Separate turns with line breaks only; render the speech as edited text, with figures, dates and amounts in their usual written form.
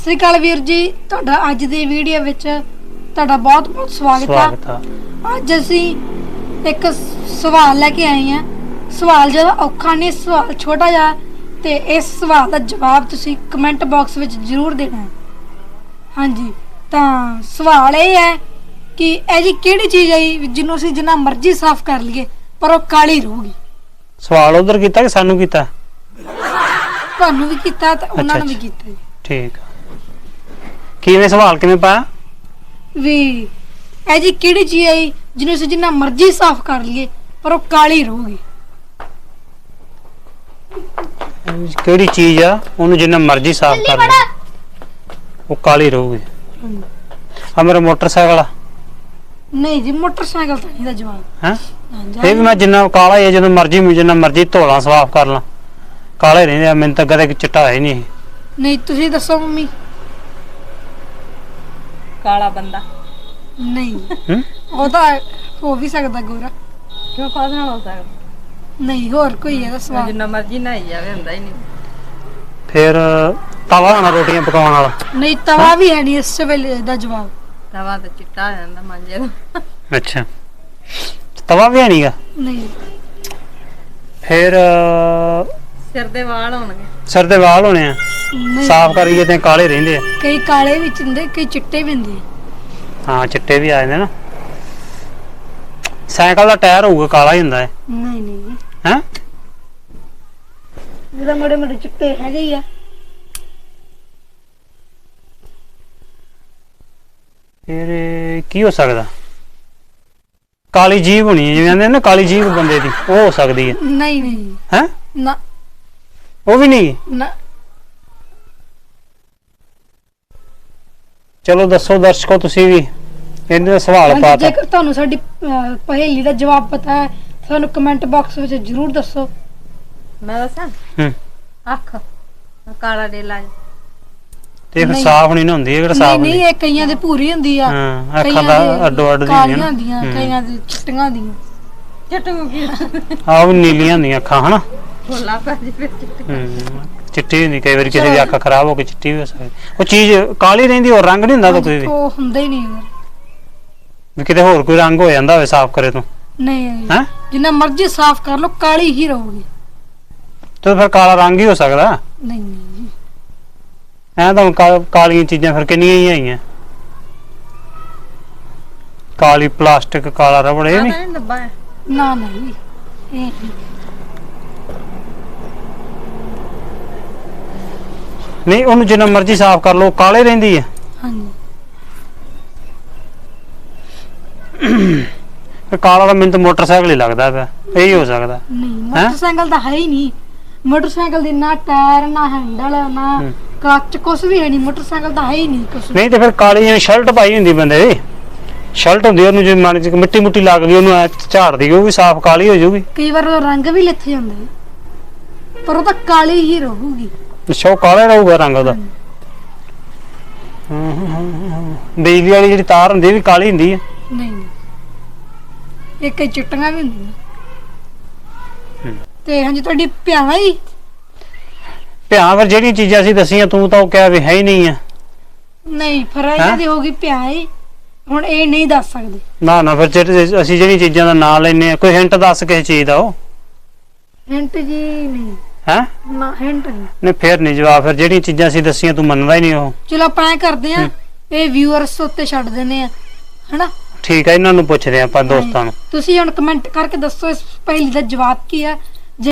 ਸ੍ਰੀ ਅਕਾਲ ਵੀਰ ਜੀ, ਤੁਹਾਡਾ ਅੱਜ ਦੀ ਵੀਡੀਓ ਵਿੱਚ ਤੁਹਾਡਾ ਬਹੁਤ ਬਹੁਤ ਸਵਾਗਤ ਹੈ। ਅੱਜ ਅਸੀਂ ਇੱਕ ਸਵਾਲ ਲੈ ਕੇ ਆਏ ਹਾਂ। ਸਵਾਲ ਜ਼ਿਆਦਾ ਔਖਾ ਨਹੀਂ, ਸਵਾਲ ਛੋਟਾ ਜਿਹਾ, ਤੇ ਇਸ ਸਵਾਲ ਦਾ ਜਵਾਬ ਤੁਸੀਂ ਕਮੈਂਟ ਬਾਕਸ ਵਿੱਚ ਜ਼ਰੂਰ ਦੇਣਾ ਹੈ। ਹਾਂਜੀ, ਤਾਂ ਸਵਾਲ ਇਹ ਹੈ ਕਿ ਇਹ ਜੀ ਕਿਹੜੀ ਚੀਜ਼ ਹੈ ਜਿਹਨੂੰ ਅਸੀਂ ਜਿੰਨਾ ਮਰਜ਼ੀ ਸਾਫ਼ ਕਰ ਲਈਏ ਪਰ ਉਹ ਕਾਲੀ ਰਹੂਗੀ।
ਸਵਾਲ ਉਧਰ ਕੀਤਾ ਕਿ ਸਾਨੂੰ ਕੀਤਾ?
ਤੁਹਾਨੂੰ ਵੀ ਕੀਤਾ ਤੇ ਉਹਨਾਂ ਨੂੰ ਵੀ ਕੀਤਾ।
ਠੀਕ। ਕਿਵੇਂ ਸਵਾਲ ਕਿਵੇਂ ਪਾਇਆ
ਵੀ ਇਹ ਜੀ ਕਿਹੜੀ ਚੀਜ਼ ਹੈ ਜਿਹਨੂੰ ਅਸੀਂ ਜਿੰਨਾ ਮਰਜ਼ੀ ਸਾਫ਼ ਕਰ ਲਈਏ ਪਰ ਉਹ ਕਾਲੀ ਰਹੂਗੀ।
ਕਿਹੜੀ ਚੀਜ਼ ਆ ਉਹਨੂੰ ਜਿੰਨਾ ਮਰਜ਼ੀ ਸਾਫ਼ ਕਰ ਲੈ ਉਹ ਕਾਲੀ ਰਹੂਗੀ? ਆ ਮੇਰਾ ਮੋਟਰਸਾਈਕਲ ਆ।
ਨਹੀਂ ਜੀ, ਮੋਟਰਸਾਈਕਲ ਤਾਂ ਨਹੀਂ ਦਾ ਜਵਾਬ
ਹੈ। ਇਹ ਵੀ ਮੈਂ ਜਿੰਨਾ ਕਾਲਾ ਹੈ ਜਦੋਂ ਮਰਜ਼ੀ ਜਿੰਨਾ ਮਰਜ਼ੀ ਧੋਲਾ ਸਾਫ਼ ਕਰ ਲਾਂ ਕਾਲੇ ਰਹਿੰਦੇ ਆ। ਮੈਨੂੰ ਤਾਂ ਕਦੇ ਚਿੱਟਾ ਹੈ ਨਹੀਂ।
ਨਹੀਂ, ਤੁਸੀਂ ਦੱਸੋ ਮੰਮੀ।
ਕਾਲਾ ਬੰਦਾ
ਨਹੀਂ, ਉਹ ਤਾਂ ਹੋ ਵੀ ਸਕਦਾ ਗੋਰਾ।
ਕਿਉਂ ਕਾਹਦੇ ਨਾਲ ਹੋ ਸਕਦਾ?
ਨਹੀਂ, ਹੋਰ ਕੋਈ ਹੈ ਸਵਾਲ?
ਜਿੰਨਾ ਮਰਜ਼ੀ ਨਹਾਈ ਜਾਵੇ ਹੁੰਦਾ ਹੀ ਨਹੀਂ।
ਫਿਰ ਤਵਾ ਹੋਣਾ ਰੋਟੀਆਂ ਪਕਾਉਣ ਵਾਲਾ?
ਨਹੀਂ, ਤਵਾ ਵੀ ਹੈ ਨਹੀਂ ਇਸ ਵੇਲੇ ਦਾ ਜਵਾਬ।
ਤਵਾ ਤਾਂ ਚਿੱਟਾ ਹੋ ਜਾਂਦਾ ਮਾਂਜੇ ਦਾ।
ਅੱਛਾ, ਤਵਾ ਵੀ ਹੈ ਨਹੀਂਗਾ।
ਨਹੀਂ।
ਫਿਰ
ਸਿਰ ਦੇ ਵਾਲ ਹੋਣਗੇ।
ਸਿਰ ਦੇ ਵਾਲ ਹੋਣੇ ਆ,
ਨਹੀਂ,
ਸਾਫ਼ ਕਰੀਏ ਤੇ ਕਾਲੇ ਰਹਿੰਦੇ ਆ।
ਕਈ ਕਾਲੇ ਵੀ ਹੁੰਦੇ, ਕਈ ਚਿੱਟੇ ਵੀ ਹੁੰਦੇ।
ਹਾਂ, ਚਿੱਟੇ ਵੀ ਆ ਜਾਂਦੇ ਨਾ। ਸਾਈਕਲ ਦਾ ਟਾਇਰ ਹੋਊਗਾ ਕਾਲਾ ਹੀ ਹੁੰਦਾ ਹੈ।
ਨਹੀਂ ਨਹੀਂ,
ਹੈ
ਇਹਦਾ ਮੋੜੇ ਮੋੜੇ ਚਿੱਟੇ ਹੈਗੇ ਹੀ ਆ।
ਫਿਰ ਕੀ ਹੋ ਸਕਦਾ? ਕਾਲੀ ਜੀਭ ਹੋਣੀ ਜਿਵੇਂ ਕਹਿੰਦੇ ਨਾ, ਕਾਲੀ ਜੀਭ ਬੰਦੇ ਦੀ, ਉਹ ਹੋ ਸਕਦੀ ਹੈ।
ਨਹੀਂ ਨਹੀਂ,
ਹੈ
ਨਾ
ਉਹ ਵੀ ਨਹੀਂ।
ਨਾ।
ਚਲੋ ਦੱਸੋ ਦਰਸ਼ਕੋ, ਤੁਸੀਂ ਵੀ ਇਹਦੇ ਦਾ ਸਵਾਲ ਪਾਤਾ।
ਜੇਕਰ ਤੁਹਾਨੂੰ ਸਾਡੀ ਪਹੇਲੀ ਦਾ ਜਵਾਬ ਪਤਾ ਹੈ ਸਾਨੂੰ ਕਮੈਂਟ ਬਾਕਸ ਵਿੱਚ ਜ਼ਰੂਰ ਦੱਸੋ।
ਮੈਂ ਦੱਸਾਂ? ਅੱਖ ਕਾਲਾ ਡੇਲਾ
ਤੇ ਫਿਰ ਸਾਫ਼ ਨਹੀਂ ਨਾ ਹੁੰਦੀ। ਇਹ ਕਿਹੜਾ ਸਾਫ਼
ਨਹੀਂ, ਇਹ ਕਈਆਂ ਦੇ ਭੂਰੀ ਹੁੰਦੀ ਆ।
ਹਾਂ, ਅੱਖਾਂ ਦਾ ਅੱਡੋ ਅੱਡ
ਕਾਲੀਆਂ ਹੁੰਦੀਆਂ, ਕਈਆਂ ਦੇ ਚਿੱਟੀਆਂ ਹੁੰਦੀਆਂ।
ਚਟੂ ਕੀ
ਆਹ ਵੀ ਨੀਲੀਆਂ ਹੁੰਦੀਆਂ ਅੱਖਾਂ ਹਨਾ।
ਭੋਲਾ ਪੈ ਜੇ ਫਿਰ
ਚਿੱਟੀ ਹੁੰਦੀ, ਕਈ ਵਾਰੀ ਕਿਸੇ ਦੀ ਅੱਖ ਖਰਾਬ ਹੋ ਕੇ ਚਿੱਟੀ ਵੀ ਹੋ ਸਕਦੀ। ਉਹ ਚੀਜ਼ ਕਾਲੀ ਰਹਿੰਦੀ, ਹੋਰ ਰੰਗ ਨਹੀਂ ਹੁੰਦਾ ਤਾਂ ਕੋਈ ਵੀ?
ਉਹ ਹੁੰਦਾ ਹੀ ਨਹੀਂ।
ਵੀ ਕਿਤੇ ਹੋਰ ਕੋਈ ਰੰਗ ਹੋ ਜਾਂਦਾ ਹੋਵੇ ਸਾਫ਼ ਕਰੇ ਤੋਂ?
ਨਹੀਂ,
ਹੈ
ਜਿੰਨਾ ਮਰਜ਼ੀ ਸਾਫ਼ ਕਰ ਲੋ ਕਾਲੀ ਹੀ ਰਹੂਗੀ।
ਤੇ ਫਿਰ ਕਾਲਾ ਰੰਗ ਹੀ ਹੋ ਸਕਦਾ।
ਨਹੀਂ ਨਹੀਂ,
ਐ ਤਾਂ ਕਾਲੀਆਂ ਚੀਜ਼ਾਂ ਫਿਰ ਕਿੰਨੀਆਂ ਹੀ ਆਈਆਂ। ਕਾਲੀ ਪਲਾਸਟਿਕ, ਕਾਲਾ ਰਬੜ, ਇਹ ਨਹੀਂ
ਡੱਬਾ ਹੈ।
ਨਾ ਨਹੀਂ, ਇਹ
ਨਹੀਂ। ਉਹਨੂੰ ਜਿੰਨਾ ਮਰਜ਼ੀ ਸਾਫ਼ ਕਰ ਲੋ ਕਾਲੇ ਰਹਿੰਦੀ ਹੈ।
ਹਾਂਜੀ।
ਕਾਲਾ ਤਾਂ ਮੈਨੂੰ ਤਾਂ ਮੋਟਰਸਾਈਕਲ ਹੀ ਲੱਗਦਾ ਪਿਆ। ਇਹੀ ਹੋ ਸਕਦਾ।
ਨਹੀਂ, ਮੋਟਰਸਾਈਕਲ ਤਾਂ ਹੈ ਹੀ ਨਹੀਂ। ਮੋਟਰਸਾਈਕਲ ਦੀ ਨਾ ਟਾਇਰ, ਨਾ ਹੈਂਡਲ, ਨਾ ਕੱਚ, ਕੁਛ ਵੀ ਹੈ ਨਹੀਂ। ਮੋਟਰਸਾਈਕਲ ਤਾਂ ਹੈ ਹੀ ਨਹੀਂ ਕੁਛ।
ਨਹੀਂ ਤੇ ਫਿਰ ਕਾਲੀ ਜਿਵੇਂ ਸ਼ਰਟ ਪਾਈ ਹੁੰਦੀ ਬੰਦੇ ਦੀ, ਸ਼ਰਟ ਹੁੰਦੀ, ਉਹਨੂੰ ਜੇ ਮਨ ਚ ਮਿੱਟੀ ਮੁੱਟੀ ਲੱਗ ਗਈ ਉਹਨੂੰ ਐ ਝਾੜਦੀ, ਉਹ ਵੀ ਸਾਫ਼ ਕਾਲੀ ਹੋ ਜਾਊਗੀ।
ਕਈ ਵਾਰ ਉਹ ਰੰਗ ਵੀ ਲਿੱਥ ਜਾਂਦਾ ਪਰ ਉਹ ਤਾਂ ਕਾਲੀ ਹੀ ਰਹੂਗੀ।
ਅੱਛਾ, ਉਹ ਕਾਲਾ ਰਹੂਗਾ ਰੰਗ ਉਹਦਾ। ਬਿਜਲੀ ਵਾਲੀ ਜਿਹੜੀ ਤਾਰ ਹੁੰਦੀ ਵੀ ਕਾਲੀ ਹੁੰਦੀ ਹੈ।
ਨਹੀਂ ਨਹੀਂ, ਇਹ ਕਈ ਚਿੱਟੀਆਂ ਵੀ ਹੁੰਦੀਆਂ। ਤੇ ਹਾਂਜੀ, ਤੁਹਾਡੀ ਭਿਆਵਾਂ ਹੀ
ਭਿਆਂ ਫਿਰ ਜਿਹੜੀਆਂ ਚੀਜ਼ਾਂ ਅਸੀਂ ਦਸੀਆਂ ਤੂੰ ਤਾਂ ਉਹ ਕਿਹਾ ਵੀ ਹੈ ਹੀ ਨਹੀਂ ਆ।
ਨਹੀਂ, ਫਿਰ ਇਹਨਾਂ ਦੀ ਹੋ ਗਈ ਭਿਆ ਹੀ। ਹੁਣ ਇਹ ਨਹੀਂ ਦੱਸ ਸਕਦੇ।
ਨਾ ਨਾ, ਫਿਰ ਅਸੀਂ ਜਿਹੜੀਆਂ ਚੀਜ਼ਾਂ ਦਾ ਨਾਂ ਲੈਨੇ ਆ, ਕੋਈ ਹਿੰਟ ਦੱਸ ਕਿਸੇ ਚੀਜ਼ ਦਾ। ਉਹ
ਹਿੰਟ ਜੀ ਨਹੀਂ
ਹੈ
ਨਾ, ਹਿੰਟ ਨਹੀਂ।
ਨਹੀਂ ਫਿਰ ਨਹੀਂ ਜਵਾਬ। ਫਿਰ ਜਿਹੜੀਆਂ ਚੀਜ਼ਾਂ ਅਸੀਂ ਦਸੀਆਂ ਤੂੰ ਮੰਨਦਾ ਹੀ ਨਹੀਂ ਉਹ।
ਚਲੋ ਆਪਾਂ ਐ ਕਰਦੇ ਆ, ਇਹ ਵਿਊਅਰਸ ਉੱਤੇ ਛੱਡ ਦਿੰਦੇ ਆ, ਹਨਾ?
ਠੀਕ ਹੈ, ਇਹਨਾਂ ਨੂੰ ਪੁੱਛਦੇ ਆਪਾਂ ਦੋਸਤਾਂ ਨੂੰ।
ਤੁਸੀਂ ਹੁਣ ਕਮੈਂਟ ਕਰਕੇ ਦੱਸੋ ਇਸ ਪਹਿਲੀ ਦਾ ਜਵਾਬ ਕੀ ਹੈ।